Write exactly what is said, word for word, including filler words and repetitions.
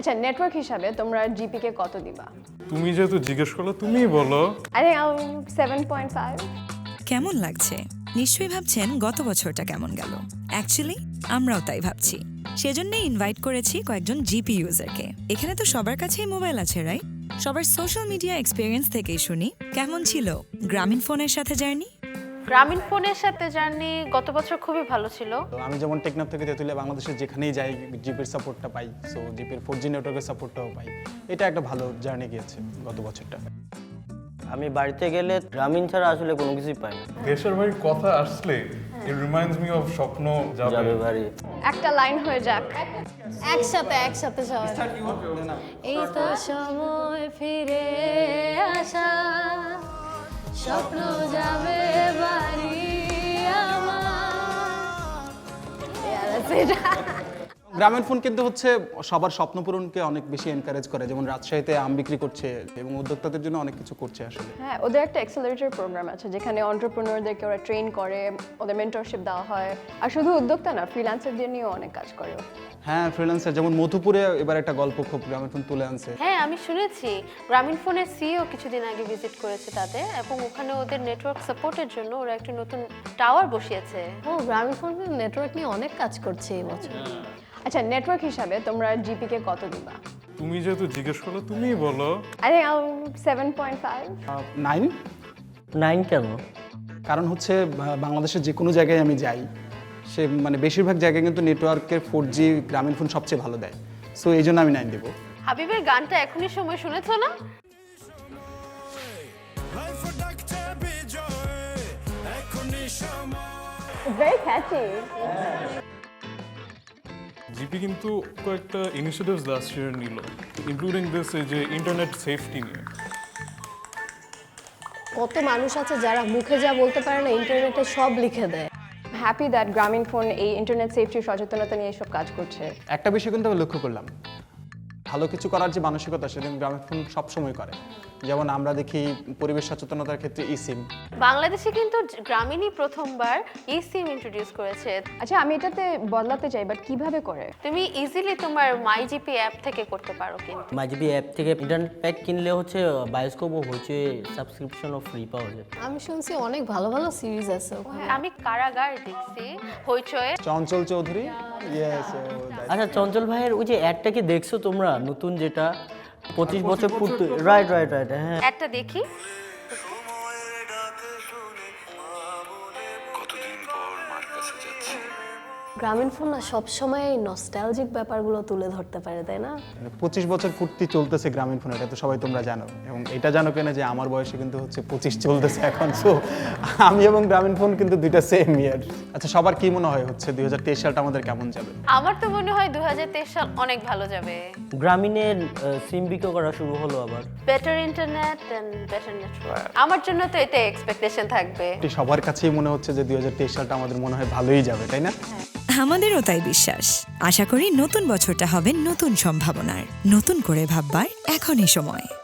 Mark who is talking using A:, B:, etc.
A: আচ্ছা নেটওয়ার্ক হিসাবে তোমরা জিপি কে কত দিবা?
B: তুমি যেহেতু জিজ্ঞেস করলে তুমিই বলো।
A: I think seven point five.
C: কেমন লাগছে? নিশ্চয়ই ভাবছেন গত বছরটা কেমন গেল। অ্যাকচুয়ালি আমরাও তাই ভাবছি। সেজন্যই ইনভাইট করেছি কয়েকজন জিপি ইউজারকে। এখানে তো সবার কাছেই মোবাইল আছে, রাইট? সবার সোশ্যাল মিডিয়া এক্সপিরিয়েন্স থেকেই শুনি কেমন ছিল গ্রামীণ ফোনের সাথে জার্নি।
D: গ্রামীণ ফোনের সাথে জার্নি গত বছর খুবই ভালো ছিল।
E: তো আমি যেমন টেকনাফ থেকে তেঁতুলিয়া বাংলাদেশের যেখানেই যাই জিপির সাপোর্টটা পাই, সো জিপির ফোর জি নেটওয়ার্কের সাপোর্টটাও পাই। এটা একটা ভালো জার্নি গিয়েছে গত বছরটা।
F: আমি বাড়িতে গেলে গ্রামীণ ছাড়া আসলে কোনো কিছুই পাই না।
B: দেশের বাড়ির কথা আসলে ইট রিমাইন্ডস মি অফ স্বপ্ন
F: যাবে
B: যাবে।
F: বাড়ি।
A: একটা লাইন হয়ে যাক।
G: একসাথে একসাথে সবাই। এই তো সময় ফিরে আসা, স্বপ্ন যাবে বাড়ি আমার।
E: গ্রামীণ ফোন কিন্তু হচ্ছে সবার স্বপ্ন পূরণকে অনেক বেশি এনকারেজ করে, যেমন রাজশাহীতে আম বিক্রি করছে এবং উদ্যোক্তাদের জন্য অনেক কিছু করছে আসলে।
A: হ্যাঁ, ওদের একটা অ্যাক্সেলারেটর প্রোগ্রাম আছে যেখানে এন্টারপ্রেনারদেরকে ওরা ট্রেন করে, ওদের মেন্টরশিপ দেওয়া হয়। আর শুধু উদ্যোক্তা না, ফ্রিল্যান্সারদের নিয়েও অনেক কাজ করে।
E: হ্যাঁ, ফ্রিল্যান্সার যেমন মধুপুরে এবার একটা গল্প খুব গ্রামীণ ফোন তুলে আনছে।
D: হ্যাঁ আমি শুনেছি গ্রামীণ ফোনের সিইও কিছুদিন আগে ভিজিট করেছে তাদের, এবং ওখানে ওদের নেটওয়ার্ক সাপোর্টের জন্য ওরা একটা নতুন টাওয়ার বসিয়েছে।
G: ও গ্রামীণ ফোন নেটওয়ার্ক নিয়ে অনেক কাজ করছে এই বছর।
A: আচ্ছা নেটওয়ার্ক হিসাবে তোমরা জিপি কে কত দিবা?
B: তুমি যেহেতু জিজ্ঞেস করলে তুমিই বলো।
A: I think seven point five.
E: Nine.
F: Nine কেন?
E: কারণ হচ্ছে বা- বাংলাদেশের যে কোনো জায়গায় আমি যাই, সে মানে বেশিরভাগ জায়গায় কিন্তু নেটওয়ার্কের ফোর জি গ্রামীণ ফোন সবচেয়ে ভালো দেয়, সো এই জন্য আমি নাইন দেবো।
D: হাবিবের গানটা এখনই সময় শুনেছো না?
A: ভেরি ক্যাচি।
B: জিপি কিন্তু কয়েকটা ইনিশিয়েটিভস লাস্ট ইয়ার নিল, ইনক্লুডিং দিস এই যে ইন্টারনেট সেফটি নিয়ে।
G: কত মানুষ আছে যারা মুখে যা বলতে পারে না, ইন্টারনেটে সব লিখে দেয়।
A: হ্যাপি দ্যাট গ্রামীণ ফোন এই ইন্টারনেট সেফটির সচেতনতা নিয়ে সব কাজ করছে।
E: একটা বিষয় কিন্তু আমি লক্ষ্য করলাম, ভালো কিছু করার যে মানসিকতা সেটা কিন্তু গ্রামীণ ফোন সবসময় করে। যেমন আমরা দেখি পরিবেশ সচেতনতার ক্ষেত্রে ই সিম।
D: বাংলাদেশে কিন্তু গ্রামীণই প্রথমবার ই সিম ইন্ট্রোডিউস করেছে।
A: আচ্ছা আমি এটাতে বদলাতে চাই, বাট কিভাবে করে?
D: তুমি ইজিলি তোমার মাই জিপি অ্যাপ থেকে করতে পারো কিন্তু।
F: মাইজিবি অ্যাপ থেকে ইন্টারনেট প্যাক কিনলে হচ্ছে বায়োস্কোপ ও হচ্ছে সাবস্ক্রিপশনও ফ্রি পাওয়া যায়।
G: আমি শুনছি অনেক ভালো ভালো সিরিজ আছে ওখানে।
D: আমি কারাগার দেখছি হইচয়ে।
E: চঞ্চল চৌধুরী, ইয়েস।
F: আচ্ছা চঞ্চল ভাইয়ের ওই যে অ্যাডটা কি দেখছো তোমরা, নতুন যেটা পঁচিশ বছর পূর্তি? রাইট রাইট রাইট হ্যাঁ।
D: একটা দেখি।
G: গ্রামীণ ফোন না সবসময় এই নস্টালজিক ব্যাপারগুলো তুলে ধরতে পারে, তাই না?
E: পঁচিশ বছর পূর্তি চলতেছে গ্রামীণ ফোন, এটা তো সবাই তোমরা জানো, এবং এটা জানো কেনা যে আমার বয়সে কিন্তু হচ্ছে পঁচিশ চলতেছে এখন। সো আমি এবং গ্রামীণ ফোন কিন্তু দুইটা সেম ইয়ার। আচ্ছা সবার কি মনে হয় হচ্ছে দুই হাজার তেইশ সালটা আমাদের কেমন যাবে?
D: আমার তো মনে হয় দুই হাজার তেইশ সাল অনেক ভালো যাবে।
F: গ্রামীণের সিম বিক্রি করা শুরু হলো আবার।
D: Better internet and better network, আমার জন্য তো এটাই এক্সপেকটেশন থাকবে।
E: এটি সবার কাছেই মনে হচ্ছে যে দুই হাজার তেইশ সালটা আমাদের মনে হয় ভালোই যাবে, তাই না?
C: আমাদেরও তাই বিশ্বাস। আশা করি নতুন বছরটা হবে নতুন সম্ভাবনার, নতুন করে ভাববার এখনই সময়।